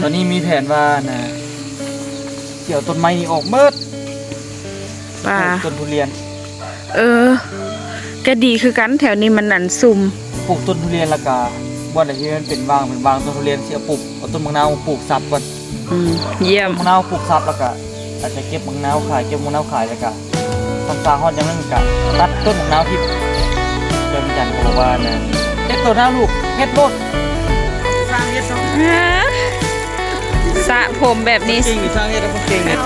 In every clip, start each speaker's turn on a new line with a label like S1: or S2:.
S1: ตอนนี้มีแผนว่านะเกี่ยวต้นไม้นี่ออกเมิด
S2: ป่า
S1: ต้นทุเรียน
S2: ก็ดีคือกันแถวนี้มันนั่นซุ่ม
S1: ปลูกต้นทุเรียนและกาบ่อนไหนที่มันเป็นวางต้นทุเรียนเสียปลูกเอาต้นมะนาวปลูกซับก่อน
S2: เยี่ยม
S1: มะนาวปลูกซับแล้วก็อาจจะเก็บมะนาวขายแล้วก็ทำซาฮอดอย่างนั้นก็ตัดต้นมะนาวที่เดิมจันทร์บอกว่านะเฮ็ดต้นหน้าลูกเฮ็ดโลดสร้างเฮ็ด
S2: สระผมแบบนี้
S1: เก่งสร้างเฮ็ดแล้วก็เก่งเนี่ย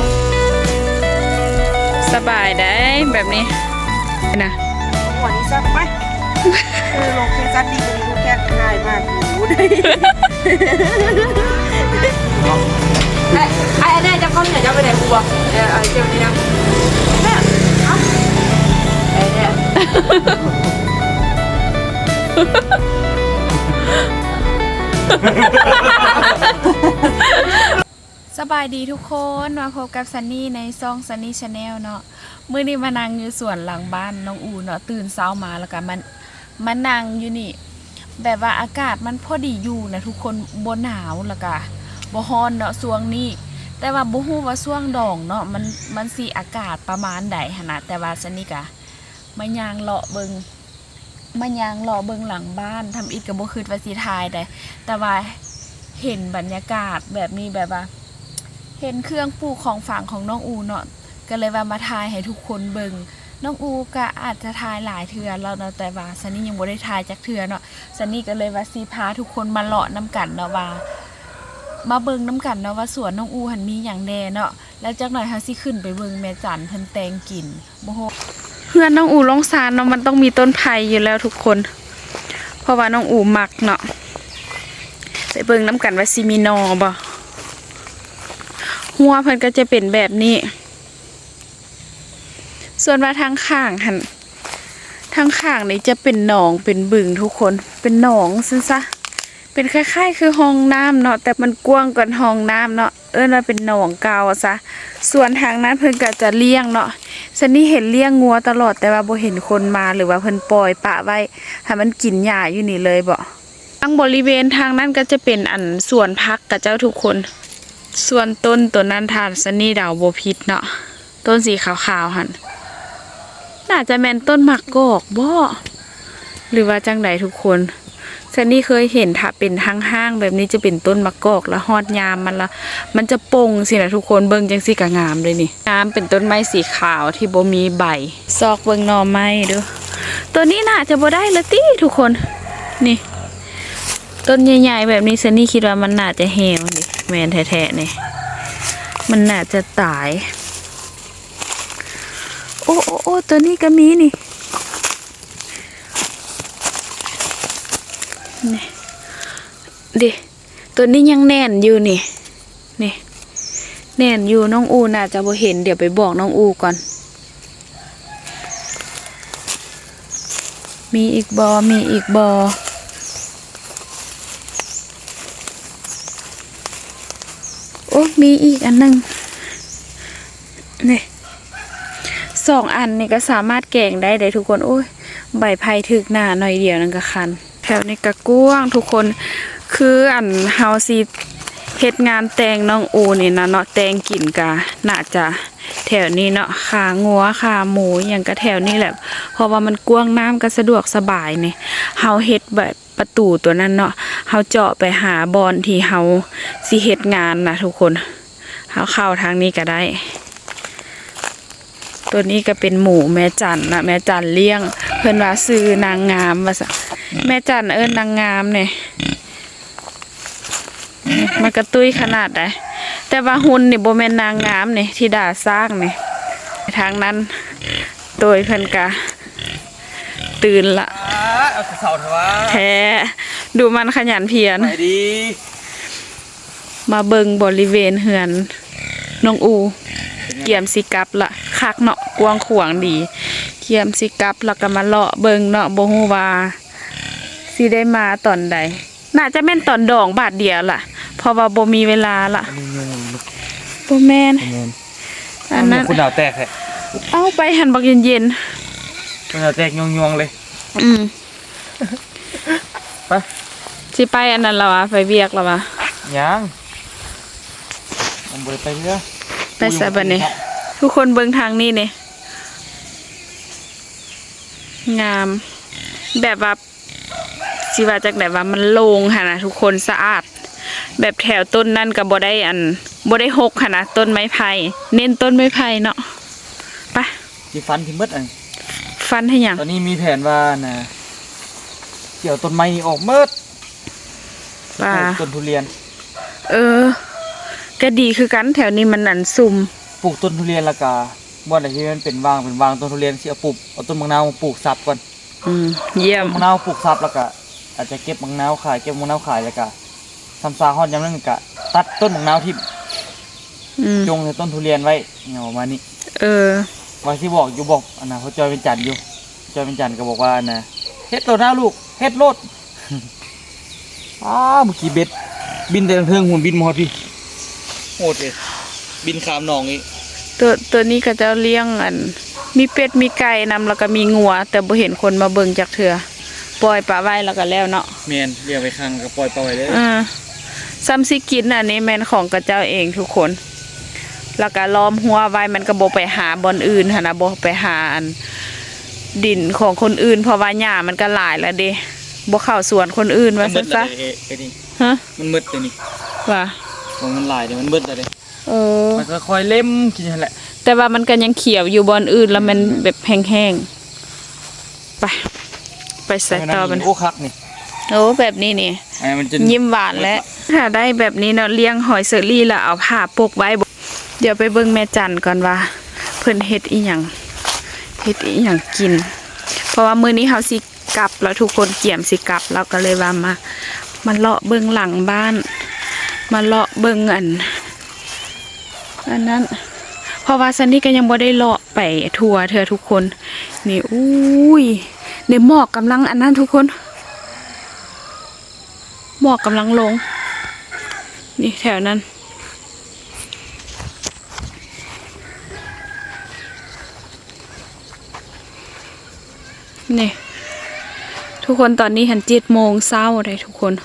S2: สบายได้แบบนี้นะ
S3: หัวนี้ซักไหมโลเคชั่นดีกว่านี้แค่ง่ายมากรู้ได้ไอ้แน่จะเข้าไหนจะไปไหนกูบอกไอ้เจ้านี่นะแม่ไอ้เนี่ย
S2: สบายดีทุกคนมาพบกับซันนี่ในซองซันนี่ชาแนลเนาะมื้อนี้มานั่งอยู่สวนหลังบ้านน้องอูเนาะตื่นเช้ามาแล้วก็มานั่งอยู่นี่แบบว่าอากาศมันพอดีอยู่นะทุกคนบ่หนาวแล้วก็บ่ร้อนเนาะช่วงนี้แต่ว่าบ่ฮู้ว่าช่วงดองเนาะมันสิอากาศประมาณใดหั่นน่ะแต่ว่าซันนี่ก็มาย่างเลาะเบิ่งหลังบ้านทำอิฐก็บ่คิดว่าสิถ่ายได้แต่ว่าเห็นบรรยากาศแบบนี้แบบว่าเห็นเครื่องปลูกของฝางของน้องอูเนาะก็เลยว่ามาทายให้ทุกคนเบิ่งน้องอูก็อาจจะทายหลายเทื่อแล้วเนาะแต่ว่าซันนี่ยังบ่ได้ทายจักเทื่อเนาะซันนี่ก็เลยว่าสิพาทุกคนมาเลาะน้ำกันเนาะว่ามาเบิ่งน้ำกันเนาะว่าสวนน้องอูหันมีหยังแน่เนาะแล้วจักหน่อยเฮาสิขึ้นไปเบิ่งแม่จันเพิ่นแตงกินบ่ฮู้เพื่อนน้องอูลงซานเนาะมันต้องมีต้นไผ่อยู่แล้วทุกคนเพราะว่าน้องอูมักเนาะไปเบิ่งน้ำกันว่าสิมีนอบ่หัวเพิ่นก็จะเป็นแบบนี้ส่วนว่าทางข้างหันทางข้างนี่จะเป็นหนองเป็นบึงทุกคนเป็นหนองซึ่งซะเป็นคล้ายๆคือห้องน้ำเนาะแต่มันกว้างกว่าห้องน้ำเนาะว่าเป็นหนองเก่าซะส่วนทางนั้นเพิ่นก็จะเลี้ยงเนาะซันนี่เห็นเลี้ยงงัวตลอดแต่ว่าบ่เห็นคนมาหรือว่าเพิ่นปล่อยปะไว้ให้มันกินหญ้าอยู่นี่เลยบ่ทางบริเวณทางนั้นก็จะเป็นสวนพักกับเจ้าทุกคนส่วนต้นตัวนั้นทานซันนี่ดาวบ่ผิดเนาะต้นสีขาวๆหั่นน่าจะแม่นต้นมะกอกบ่หรือว่าจังไดทุกคนซันนี่เคยเห็นถ้าเป็นห้างๆแบบนี้จะเป็นต้นมะกอกแล้วฮอดยามมันจะปงสินะทุกคนเบิ่งจังซี่ก็งามเลยนี่งามเป็นต้นไม้สีขาวที่บ่มีใบซอกเบิ่งหน่อไม้เด้อตัวนี้น่าจะบ่ได้ละติทุกคนนี่ต้นใหญ่ๆแบบนี้ซันนี่คิดว่ามันน่าจะแห้วดิแม่นแท้ๆนี่มันน่าจะตายโอ้ตัวนี้ก็มีนี่ดิตัวนี้ยังแน่นอยู่นี่แน่นอยู่น้องอูน่าจะบ่เห็นเดี๋ยวไปบอกน้องอูก่อนมีอีกบอโอ้มีอีกอันนึงนี่2 อันนี่ก็สามารถแกงได้ทุกคนโอ้ยใบไผ่ถึกหน้าหน่อยเดียวนั่นก็คันแถวนี้ก็กว้างทุกคนคือเฮาสิเฮ็ดงานแต่งน้องอูนี่นะเนาะแต่งกินกะน่าจะแถวนี้เนาะขางัวขาหมูอย่างก็แถวนี้แหละเพราะว่ามันกว้างน้ำก็สะดวกสบายนี่เฮาเฮ็ดแบบประตูตัวนั้นเนาะเฮาเจาะไปหาบอนที่เฮาสิเฮ็ดงานนะทุกคนเฮาเข้าทางนี้ก็ได้ตัวนี้ก็เป็นหมูแม่จันนะแม่จันเลี้ยงเพิ่นว่าซื้อนางงามว่าซะแม่จันนางงามเนี่ยมันกระตุ้ยขนาดไหนแต่ว่าหุ่นนี่บ่แม่นนางงามนี่ที่ด่าสร้างนี่ทางนั้นโดยเพิ่นกะตื่นละ
S1: เอาเสาเถอะวะ
S2: แท้ดูมันขยันเพียร
S1: ไปดี
S2: มาเบิ่งบริเวณเฮือนน้องอูเกี่ยมสิกลับละคักเนาะกวางขวางดีเกี่ยมสิกลับแล้วก็มาเลาะเบิ่งเนาะบ่ฮู้ว่าสิได้มาตอนใดน่าจะแม่นตอนดองบาทเดียวล่ะเพราะว่าบ่มีเวลาล่ะบ่แม่นอันนั้น
S1: คุณดาวแตกแท้
S2: เอาไปหันบักเย็น
S1: ๆคุณดาวแตกยวงๆเลย
S2: ไปสิไปอันนั้นแล้ววะไปเวียกแล้ววะ
S1: ยังผมบ่ได้ไปเรือ
S2: ไปซะบัดนี้ทุกคนเบิ่งทางนี้นี่งามแบบว่าสิว่าจากไหนว่ามันโล่งค่ะนะทุกคนสะอาดแบบแถวต้นนั่นก็บ่ได้บ่ได้หกค่ะนะต้นไม้ไผ่เน้นต้นไม้ไผ่เนาะไป
S1: สิฟันที่มืดอัน
S2: ฟันให้หยัง
S1: ตอนนี้มีแผนว่านะเกี่ยวต้นไม้นี่ออกมืด
S2: ป่า
S1: ต้นทุเรียน
S2: ก็ดีคือกันแถวนี้มันซุ่ม
S1: ปลูกต้นทุเรียนแล้วก็บ่อนไหนที่มันเป็นวางต้นทุเรียนสิเอาปลูกเอาต้นมะนาวมาปลูกซับก่อน
S2: เยี่ยม
S1: มะนาวปลูกซับแล้วก็อาจจะเก็บมะนาวขายแล้วก็ทำซาฮอดยามนั้นก็ตัดต้นมะนาวที่จงในต้นทุเรียนไว้เนี่ยประมาณนี้ว่าสิบอกอันน่ะเขาจอยเป็นจันทร์อยู่จอยเป็นจันทร์ก็บอกว่านะเฮ็ดโลดนะลูกเฮ็ดโลด เมื่อกี้เบ็ดบินแต่เทิงหุ่นบินมาฮอดพี่โหดเลยบินข้ามหนองอีก
S2: ตัวนี้ก็จะเลี้ยงมีเป็ดมีไก่นำแล้วก็มีงัวแต่บ่เห็นคนมาเบิ่งจักเทื่อปล่อยปลาไว้แล้วก็แล้วเนาะ
S1: แม่นเลี้ยงไปข้างก็ปล่อยไปเลย
S2: ซ้ำสิกินอันนี้แม่นของกระเจ้าเองทุกคนแล้วก็ล้อมหัวไว้มันก็บ่ไปหาบ่อนอื่นหั่นน่ะบ่ไปหาดินของคนอื่นเพราะว่าหญ้ามันก็หลายแล้วเด้บ่เข้าสวนคนอื่นว่าซะฮะ
S1: มันมืดเลยนี่
S2: ว่า
S1: ของมันหลายเดี๋ยวมันมืดเลยมันก็ค่อยเล่มกินนั่นแหละ
S2: แต่ว่ามันก็ยังเขียวอยู่บอนอื่นแล้วมันแบบแห้งๆไปใส่ต่อมัน
S1: โอ้คักนี่
S2: โอ้แบบนี้นี่ยิ้มหวานแล้วถ้าได้แบบนี้เนาะเลี้ยงหอยเซอรี่แล้วเอาผ้าปกไว้เดี๋ยวไปเบิ่งแม่จันก่อนว่าเพิ่นเฮ็ดอีหยังกินเพราะว่ามื้อนี้เฮาสิกลับแล้วทุกคนเกี่ยมสิกลับเราก็เลยว่ามาเลาะเบิ่งหลังบ้านมาเลาะเบิ่งอันนั้นเพราะว่าซันนี่ก็ยังบ่ได้เลาะไปทัวร์เธอทุกคนนี่อุ้ยในหมอกกำลังอันนั้นทุกคนหมอกกำลังลงนี่แถวนั้นนี่ทุกคนตอนนี้หัน7 โมงเช้าเลยทุกคน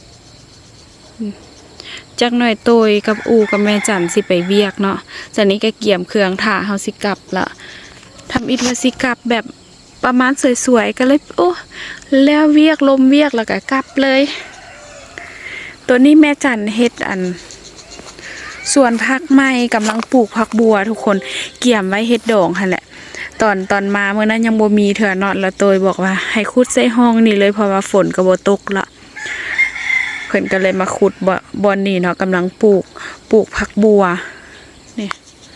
S2: จักหน่อยโตยกับอูกับแม่จันสิไปเวียกเนาะจากนี้ก็เกี่ยมเครื่องถ่าเฮาสิกลับละทำอิฐว่าสิกลับแบบประมาณสวยๆก็เลยโอ้แล้วเวียกลมเวียกแล้วก็กลับเลยตัวนี้แม่จันเฮ็ดส่วนผักไม้กำลังปลูกผักบัวทุกคนเกี่ยมไว้เฮ็ดดองหั่นแหละตอนมาเมื่อนั้นยังบ่มีเถื่อนอดแล้วโตยบอกว่าให้ขุดใส่ห้องนี่เลยเพราะว่าฝนก็บ่ตกละเพิ่นก็เลยมาขุดบอนนี่เนาะกำลังปลูกผักบัวนี่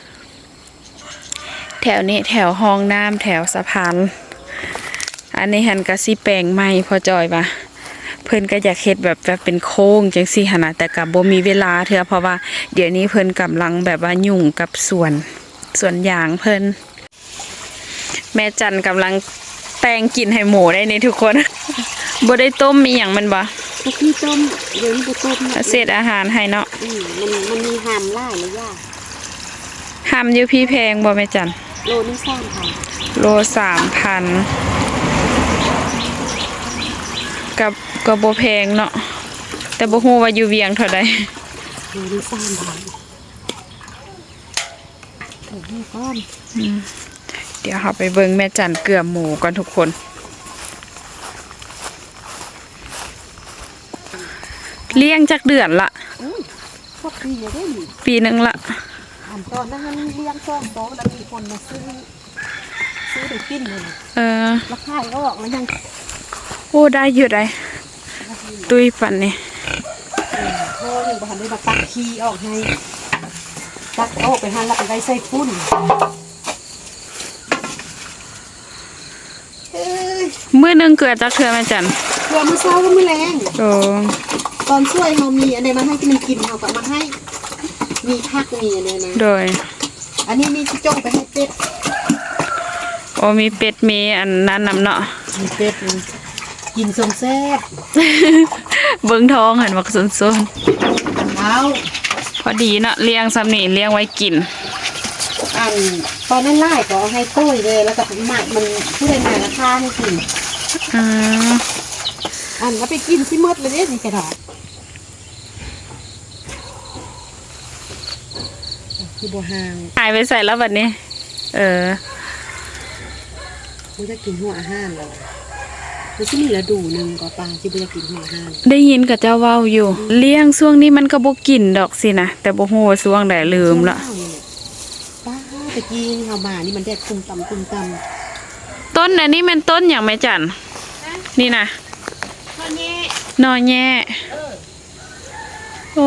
S2: แถวนี้แถวห้องน้ำแถวสะพานอันนี้หันก็สิแปลงใหม่พอจอยว่าเพิ่นก็อยากเฮ็ดแบบเป็นโค้งจังซี่หั่นน่ะแต่ก็บ่มีเวลาเถื่อเพราะว่าเดี๋ยวนี้เพิ่นกำลังแบบว่ายุ่งกับสวนยางเพิ่นแม่จันกำลังแต่งกินให้หมูได้นี่ทุกคนบ่ได้ต้มมีหยังมันบ่
S3: ก็คือต้มเดี๋ยวนี้ก็ต้ม
S2: เศษอาหารให้เนาะ
S3: มันมีหามล่ายเลยย่า
S2: หามอยู่พี่แพงบ่แม่จัน
S3: โลนี่3,000
S2: โล3,000กับก็บ่แพงเนาะแต่บ่ฮู้ว่าอยู่เวียงเท่าใด
S3: โลนี่3,000ถูกนี่ก้อน
S2: เดี๋ยวเราไปเบิ่งแม่จันเกลือหมูก่อนทุกคนเลี้ยงจากเดือนละปีนึงละ
S3: ตอนนั้นเลี้ยง2 โต๊ะแล้วมีคนมาซื้อได้กินเลยราคาก็ออกแล้วยัง
S2: โอ้ได้อยู่ได้ตุยปันนี่
S3: โอ้ยบ้านได้มาตักขี้ออกให้ตักโอ้ไปหั่นแล้วไปไว้ใส่ฟุ้น
S2: มื้อนึงเกลือจักเทื่อแม่จัน
S3: เกลือมื้อเช้าก็มื้อแรงตอนช่วยเฮามีอันใดมาให้ที่มันกินเฮาก็มาให้มีผักมีอันใดนะ
S2: โดย
S3: อันนี้มีจ้องไปให้เป็ด
S2: โอ้มีเป็ดมีอันนั้นนำเนาะ
S3: มีเป็ดกินสมแซ่บ
S2: เบิ่งท้องเห็นบักซน
S3: ๆเอา
S2: พอดีเนาะเลี้ยงซ้ำนี่เลี้ยงไว้กิน
S3: ตอนนั้นไล่ก็ให้โต้ยเลยแล้วก็หมักมันผู้ใดมาราคาให้กินแล้วไปกินที่มดเลยเนี่ยนี่กระดาษคือบัวหาง
S2: หายไปใส่แล้วแบบนี้
S3: มันจะกินหัวอาหารแล้วมันที่มีฤดูหนึ่งก็ปลาที่มันจะกินหัวอาหาร
S2: ได้ยินกับเจ้าเว้าอยู่ เลี้ยงช่วงนี้มันก็บ่กินดอกสินะแต่บ่ฮู้ว่าช่วงใดลืมละ
S3: ป้าตะกี้นี่เขามานี่มันแดดคุมตำคุมต
S2: ต้นอันนี้มันต้นอย่างไม่จันนี่นะ
S3: ำตอนนี้
S2: นอแย่โอ้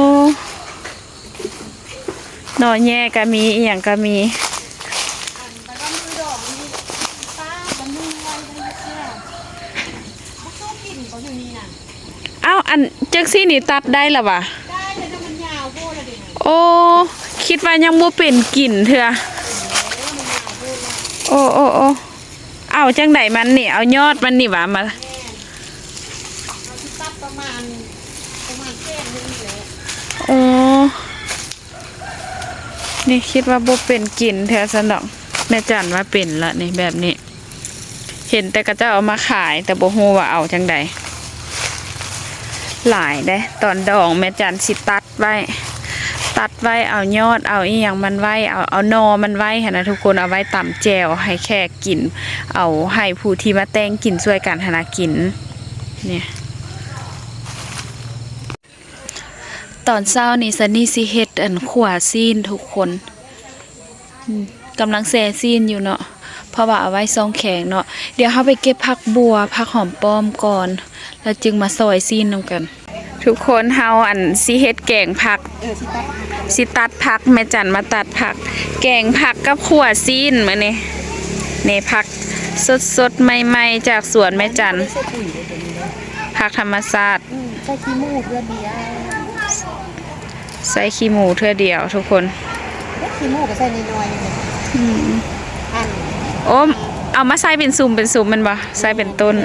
S2: นอแย่ก็มีอีหยังก็มี
S3: แต่ก็มือดอกนี่ป้ามันมือไว้ได้เชื่อมันชอบกินเขาอยู่นี่น่ะ
S2: อ้าวอันจักซี่นี่ตัดได้ละวะ
S3: ได้แต่ถ้ามันยาวโพดอะเด็ก
S2: โอ้คิดว่ายังบ่เป็นกลิ่นเถอะโอ้โอ้โอ้เอาจังไดมันนี่เอายอดมันนี่หว่ามา
S3: เราที่ตัดประมาณแค่นึงเลย
S2: โอ้นี่คิดว่าบ่เป็นกลิ่นเถอะสนองแม่จันว่าเป็นละนี่แบบนี้ เห็นแต่ก็จะเอามาขายแต่บ่ฮู้ว่าเอาจังใดหลายเด้ตอนดองแม่จันสิตัดไว้เอายอดเอาอีหยังมันไว้เอานอมันไว้หั่นนะทุกคนเอาไว้ตำแจวให้แขกกินเอาให้ผู้ที่มาแต่งกินช่วยกันหนนะกินเนี่ยตอนเช้านี่ซันนี่สิเฮ็ดอันขั่วซีนทุกคนกำลังแซ่ซีนอยู่เนาะเพราะว่าเอาไว้ซองแข็งเนาะเดี๋ยวเฮาไปเก็บผักบัวผักหอมป้อมก่อนแล้วจึงมาซอยซีนนำกัน ทุกคนเฮาอันสิเฮ็ดแกงผักสิตัดผักแม่จันมาตัดผัก แกงผักกับขั่วซีนมื้อนี้นี่ผักสดๆใหม่ๆจากสวนแม่จัน
S3: ใส่ปุ๋ยเลยตัวนี้เลย
S2: ผักธรรมชาติ
S3: ใส่ขี้มูกเพื่อเดียว
S2: ใส่ขี้หมูเทื่อเดียวทุกคน
S3: ขี้มูกก็ใส่น้อยๆเลยอัน
S2: โอ้เอามาใส่เป็นซุ่มมันบ่ใส่เป็นต้น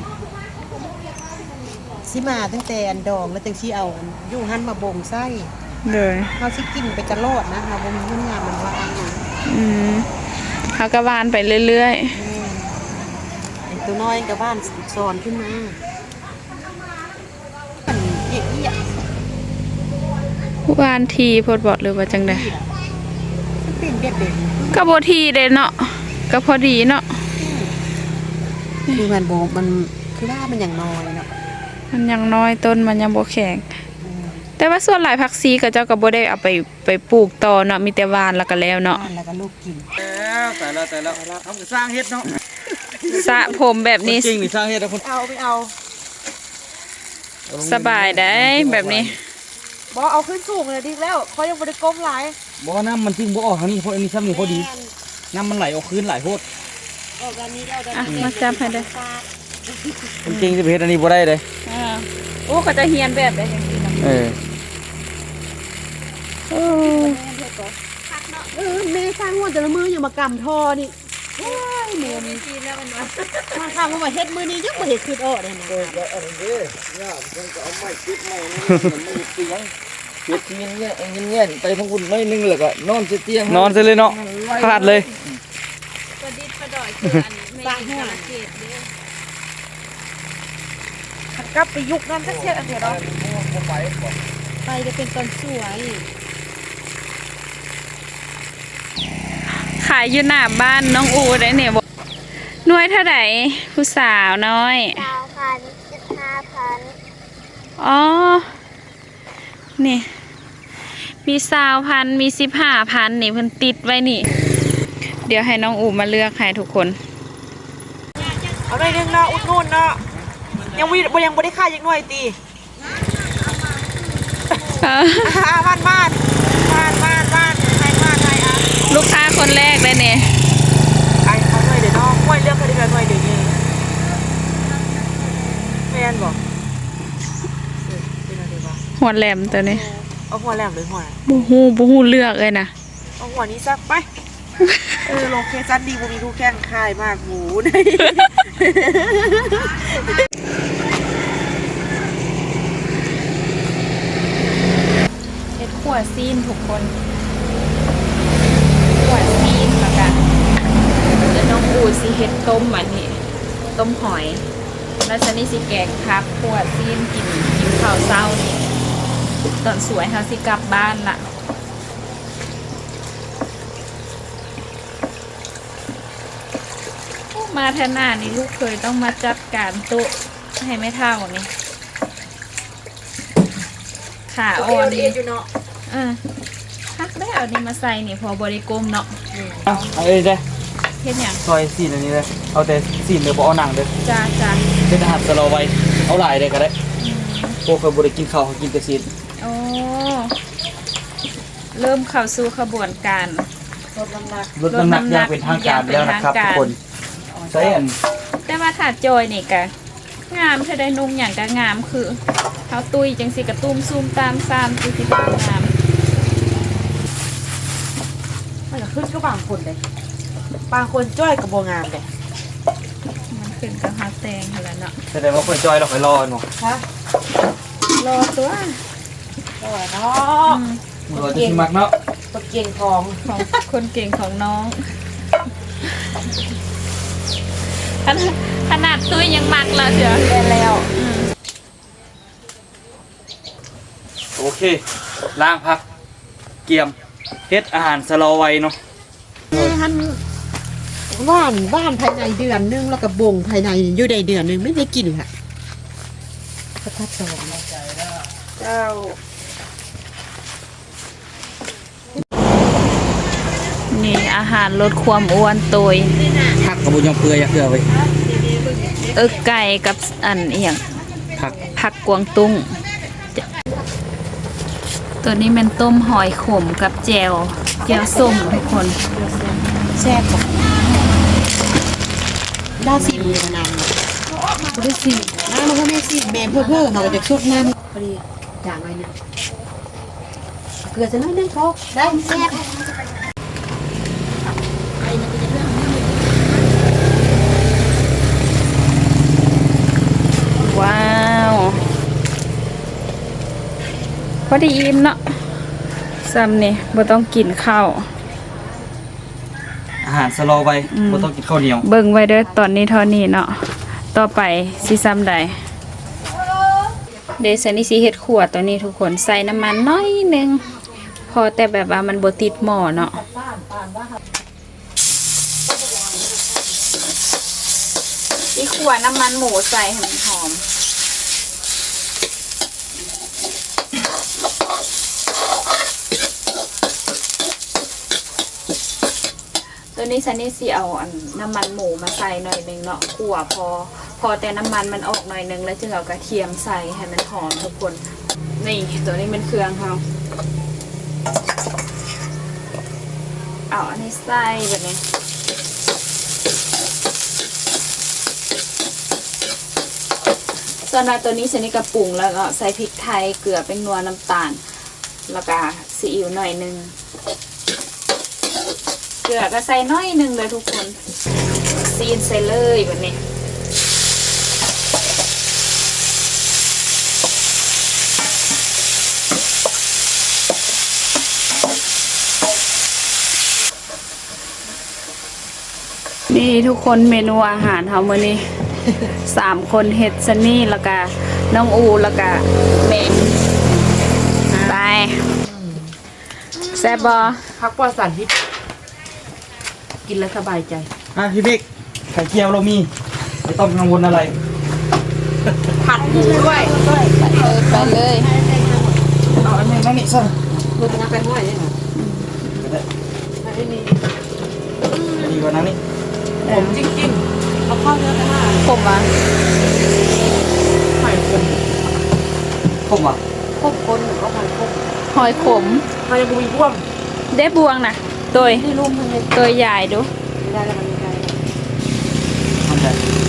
S3: สิมาตั้งแต่อันดองแล้วจังสิเอาอยู่หั่นมาบ่งไส้
S2: เลย
S3: เฮาสิกินไปตลอดนะเฮาบ่มีเงินงานมันว่าอันนั้น
S2: เขาก็วานไปเรื่อย
S3: ไอ้ตัวน้อยกับบ้านสอนขึ้นมามันเอี้ย
S2: ๆวานทีพดบอกเลยว่าจังได
S3: มันเป็นเด็ก
S2: ก็บ่ทีเด้เนาะก็พอดีเนาะ
S3: ๆคือมันบ่มันคือว่ามันอย่างน้อยเนาะ
S2: มันยังน้อยต้นมันยังบ่แข็ง แต่ว่าส่วนหลายผักซีก็เจ้าก็บ่ได้เอาไปปลูกต่อเนาะมีแต่หวานแล้วก็แล้วเนาะ
S3: บ้านแล้วก็ลูกกิน
S1: แต่ละทำกับสร้างเฮ็ดเนาะ
S2: สระผมแบบนี้
S1: จริงนี่สร้างเฮ็ดนะคน
S3: เอาไปเอา
S2: สบายได้แบบนี้
S3: บ่เอาขึ้นสูงเลยดีแล้วเขายังบ่ได้ก้มหลาย
S1: บ่น้ำมันทิ้งบ่ออกทางนี้เพราะอันนี้ซ้ำนี่พอดีน้ำมันไหลออกคืนไหลโพด
S3: ออกด้านนี้แล้วด้าน
S2: อ่ะ
S3: นี้
S2: มาจับให้เด้อ
S1: จริงๆจะไปเฮ็ดอันนี้บ่ได้เลย
S2: โอ้ก็จะเฮียนแบบได้จังซี่
S1: เออ
S3: แม่สร้างหัวแต่ละมืออยู่มากำทอนี่โอ้ยแม่นี่กินแล้วมันมาทำมาเฮ็ดมือนี้ยังบ่เฮ็ดคือออกเลยนะ
S1: แล้วอันนี้เนี่ยมันก็เอาไม้ติดไม้นี่มันไม่เตียงเฮ็ดเงี้ยไปทั้งคุณน้อยนึงแล้วก็นอนเสียเตียงนอนซะเลยเนาะพลาดเลย
S2: ประดิษฐ์ประดอยคืออันแม่กระเกดเด้
S3: กลับไปยุคนั้นสักเทียอันเดียวเนาะไปจะเป็นตอนสวย
S2: ขายอยู่หน้าบ้านน้องอูได้เนี่ยบ่หน่วยเท่าไหร่ผู้สาวน้อย
S4: 15,000
S2: อ๋อ นี่ มี20,000มี15,000นี่เพิ่นติดไว้นี่ เดี๋ยวให้น้องอูมาเลือกให้ทุกคน
S3: เอาได้นึงเนาะอุดนู่นเนาะยังบ่ได้ค่ายังหน่อยตีบ้านใครอ่ะ
S2: ลูกค้าคนแรกเลยเนี่ย
S3: ไอ้เขาหน่อยเดี๋ยวน้องห้วยเลือกเขาได้หน่อยเดี๋ยวนี้แม่นบอกเป็นอะไรบ้าง
S2: หัวแหลมตัวนี้
S3: เอาหัวแหลมหรือหัว
S2: บ่ฮู้เลือกเลยนะ
S3: เอาหัวนี้ซักไปโลเคชั่นดีบ่มีคู่แข่งคายมากหมูได้
S2: เฮ็ดขั่วซีนทุกคนขั่วซีนแล้วกันแล้วน้องอูสิเฮ็ดต้มอันนี้ต้มหอย แล้วฉันนี่สิแกงพักขั่วซีนกินข้าวเช้านี่ตอนสวยเฮาสิกลับบ้านล่ะมาแทนหน้านี่ลูกเคยต้องมาจัดการโต๊ะให้ไม่เท่านี่ขาอ่อนนี่
S3: อยู่เนาะ
S2: พักได้เอานี่มาใส่นี่พอบริกรมเนาะ
S1: เอาเลยเด้
S2: เฮ็ดหยัง
S1: ซอยซีนอันนี้เลยเอาแต่ซีนเดี๋ยวบ่เอาหนังเด้อ
S2: จ้าจ้า
S1: เป็นอาหารสโลไว้เอาหลายได้ก็ได้พวกเคยบ่ได้กินข้าวเขากินแต่ซีน
S2: โอ้เริ่มเข้าสู่ขบวนการ
S3: ลดน้ำหนัก
S1: ลดน้ำหนักอย่างเป็นทางการแล้วนะครับทุกคนใช่อัน
S2: แต่ว่าถ้าจอยนี่ก็งามถ้าได้นุ่งอย่างก็งามคือเขาตุยจังสิกระตุ้มซูมตามซามสิสิเป็นงาม
S3: มันก็ขึ้นก็บางคนเลยบางคนจ้อยกับโบงามเลย
S2: มันขึ้นกับฮาแตงหั่นแหละเนาะ
S1: แสดงว่าคนจอยเราไปรอเนาะ
S3: ฮะ
S2: รอตัว
S3: ก็เนาะ
S1: มันรอจะสิมักเนาะ
S3: ตัวเก่งของ
S2: ของคนเก่งของน้องขนาดตุ้ยยังมักแล้วเชียว
S3: แย่แล้ว
S1: โอเคล้างพักเกียมเฮ็ดอาหารสโลไว้เนาะ
S4: ท่านว่านภายในเดือนนึงแล้วก็บ่งภายในอยู่ในเดือนนึงไม่ได้กินค่ะก็ทัดสอง
S3: เจ้า
S2: นี่อาหารลดความอ้วนตัว
S1: ผักกระบุญยังเปื่อยอยากเกลือไว้
S2: ไก่กับอันเอียง
S1: ผัก
S2: ผักกวางตุ้งตัวนี้มันต้มหอยขมกับแจวส้มทุกคน
S4: แซ่บกว่าได้สิมีนานได้สิน้ำมันก็ไม่สิแม่เพื่อเขาก็จะชุดน้ำพอดีอย่างไรเนี่ยเกลือจะน้อยนึงเขาได้แซ่บ
S2: ว้าวพอดีอิ่มเนาะซ้ำนี่บ่ต้องกินข้าว
S1: อาหารสโลไว้บ่ต้องกินข้าวเหนียว
S2: เบิ่งไว้เด้อตอนนี้เท่านี้เนาะต่อไปสิซ้ำใดเดซันนี่สิเฮ็ดขวดตัวนี้ทุกคนใส่น้ำมันน้อยหนึงพอแต่แบบว่ามันบ่ติดหม้อเนาะนี่ขวดน้ำมันหมูใส่ให้มันหอมตัวนี้ซันนี่สิเอาอันน้ำมันหมูมาใส่หน่อยหนึงเนาะขั่วพอแต่น้ำมันมันออกหน่อยหนึงแล้วจึงเอากระเทียมใส่ให้มันหอมทุกคนนี่ตัวนี้เป็นเครื่องเขาเอาอันนี้ใส่แบบนี้ส่วนตัวนี้ซันนี่ก็ปรุงแล้วก็ใส่พริกไทยเกลือเป็นนัวน้ำตาลแล้วก็ซีอิ๊วหน่อยหนึงเกลือก็ใส่น้อยหนึงเลยทุกคนซีนใส่เลยแบบนี้นี่ทุกคนเมนูอาหารเฮามื้อนี้ 3 คนเฮ็ดซันนี่แล้วก็น้องอูแล้วก็เมย์ไปแซ่บบ่
S3: พักปลอดสารพิษกินแล้วสบายใจ
S1: พี่บิ๊กไข่เจียวเรามีไม่ต้องกังวลอะไร
S3: ผัดหมูด้วย
S2: ไปเลย
S1: เอาอันนี้นั่นนี่ซะ
S4: รถน้ำไปห้วยเนี่ยนะ
S1: ก็ได้
S4: ไม่มี
S1: ดีกว่านั้นนี่
S3: ผมจริงๆเอาข้าวเนื้อไปห้า
S2: ผมอ่ะ
S3: ไข่ผม
S1: ผมอ่ะ
S4: พบคนก็มันพบ
S2: หอยขม
S3: ไข่บุยพ่วง
S2: ได้บวงนะตัว
S4: ที่รุ่มมันเลย
S2: ตัวใหญ่ดู
S4: ไม่ได้แล้วมันไม่ได้
S1: ทำได้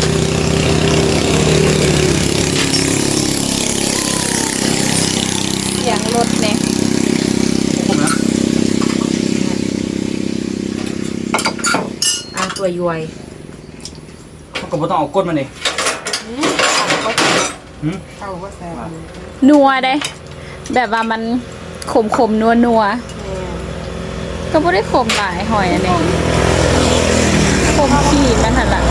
S2: เสียงรถเนี่ย
S1: ผมนะ
S3: ตัวย้วย
S1: เขาก็บ่ต้องเอาก้นมานี่หืม
S4: เข้าก็แซ่บ
S2: นัวได้ แบบว่ามันขมนัวก็ไม่ได้ขมหลายหอยอันนี้ขมขีดมันหันหลัง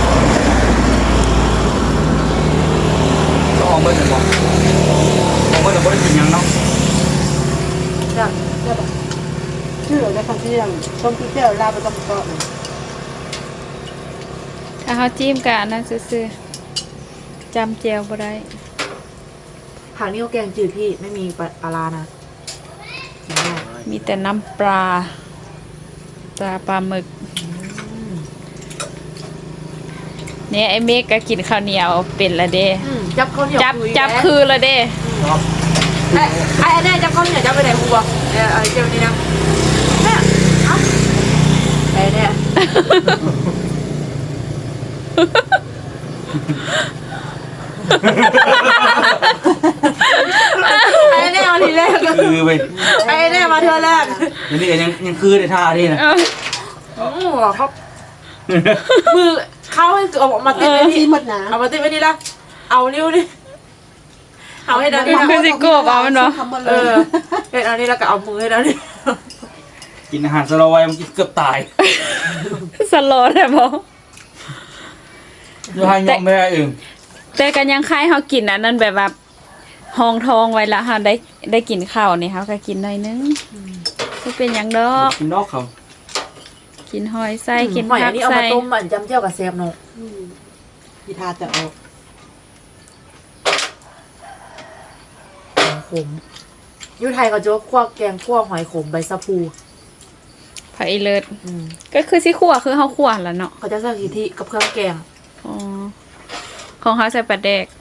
S1: ก็ออกเบิดกันบ่ออกเบิดแล้วบ่ได้กินหยังเนาะ
S4: จ้ะได้ปะชื่อได้คำที่ยังต้มที่เจ้าลาไปต้มโต๊ะ
S2: ขเฮาจิ้มกะอันนั้นซื่อๆจำแจวบ่ได้
S3: ผักนี่เขาแกงจืดพี่ไม่มีปลาร้านะกินได้
S2: มีแต่น้ำปลาปลาหมึกเนี่ยไอ้เมฆก็กินข้าวเหนียวเป็นละเด้
S3: จับข้าวเหนียว
S2: จับคือละเด้
S3: ไอ้แน่จับข้าวเหนียวจับไปไหนกูบอกเจ้านี่นะแม่เอ้าไอ้แน่ไอ้แน่มาทีแรก
S1: คือไป
S3: ไอ้แน่มาเธอแรก
S1: อันนี้ก็ยังคือในท่านี่นะ
S3: เขามือเขาให้เอามาติดไว้
S4: ซี
S3: นี่
S4: หมดนะ
S3: เอามาติดไว้นี่ละเอานิ้วนี่เอาให้ดัน
S2: คือสิโกบเอามันเนาะ
S3: เออเห็นเอานี่แล้วก็เอามือให้ดันนี่
S1: กินอาหารสโลไวมันกินเกือบตาย
S2: สโลดแต่บ่
S1: ยูฮันยอมไม่ได้เอง
S2: แต่กันยังคล้ายเฮากินอันนั้นแบบว่าห้องทองไว้ละเฮาได้กินข้าวนี่เฮาก็กินหน่อยนึงบ่เป็นหยังดอก
S1: กินนอกเขา
S2: กินหอยไส้กิน
S3: หอย
S2: ผั
S3: อั
S2: ก
S3: นนี้เอา
S2: ไส้
S3: มาต้มมันจำเจียวกับแซมเนาะ
S4: พิธาแต่ออก
S3: ขมยูไทยก็โจ๊กคั่วแกงคั่วหอยขมใบสะพู
S2: ผักอีเลิศก็คือสิขั่วคือเฮาขั่วแล้วเนาะ
S3: เขาจะใส่กะทิกับเครื่องแกง
S2: อ๋อของเฮาใส่ปลาแดก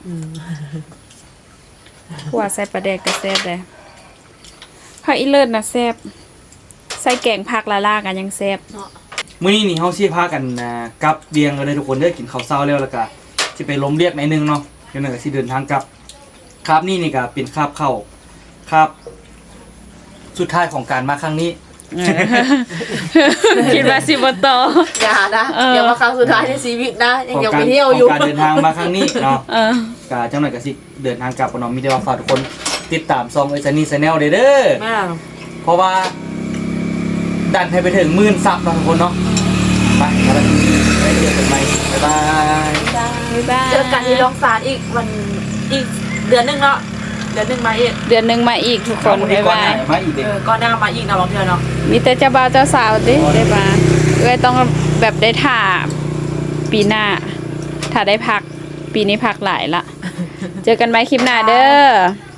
S2: ขั่วใส่ปลาแดกก็แซ่บเลยผักอีเลิศน่ะแซ่บใส่แกงผักละลากันยังแซ่บ
S1: มื้อนี้นี่เฮาสิพากันกลับเบียงกันเลยทุกคนเด้อกินข้าวเช้าแล้วก็สิไปล้มเรียกหน่อยนึงเนาะเดี๋ยวนั้นก็สิเดินทางกลับคาบนี่ก็เป็นคาบเข้าคาบสุดท้ายของการมาครั้งนี้
S2: คิดว่าสิบ่ต่อ
S3: อย่านะอย่ามาครั้งสุดท้ายในชีวิตนะยังไปเที่ยว
S1: ข
S3: อยู่
S1: องการเดินทางมาครั้งนี้เนาะ
S2: เออ
S1: ก็จังหน่อยก็สิเดินทางกลับกันเนาะมีแต่ว่าฝากทุกคนติดตามซองไอ้ซันนี่แนลเด้อ
S3: แม่
S1: เพราะว่าดันให้ไปถึง10,000ซับเนาะทุกคนเนาะไปแล้วไปเจอกันใหม่บ๊ายบาย
S2: บ๊ายบาย
S3: เจอกันที่โรงศาลอีกวันอีกเดือนหนึงเนาะเดือนหนึงมาอีก
S2: เดือนหนึงมาอีกทุกคนบ๊ายบาย
S1: มาอีกเด็ก
S3: ก็น่ามาอีกนะบางเทื่อเนาะ
S2: มีแต่เจ้าบ่าวเจ้าสาวติได้มาเอ้ยต้องแบบได้ถ่าปีหน้า ถ้าได้พักปีนี้พักหลายละ เจอกันไหมคลิปหน้าเด้อ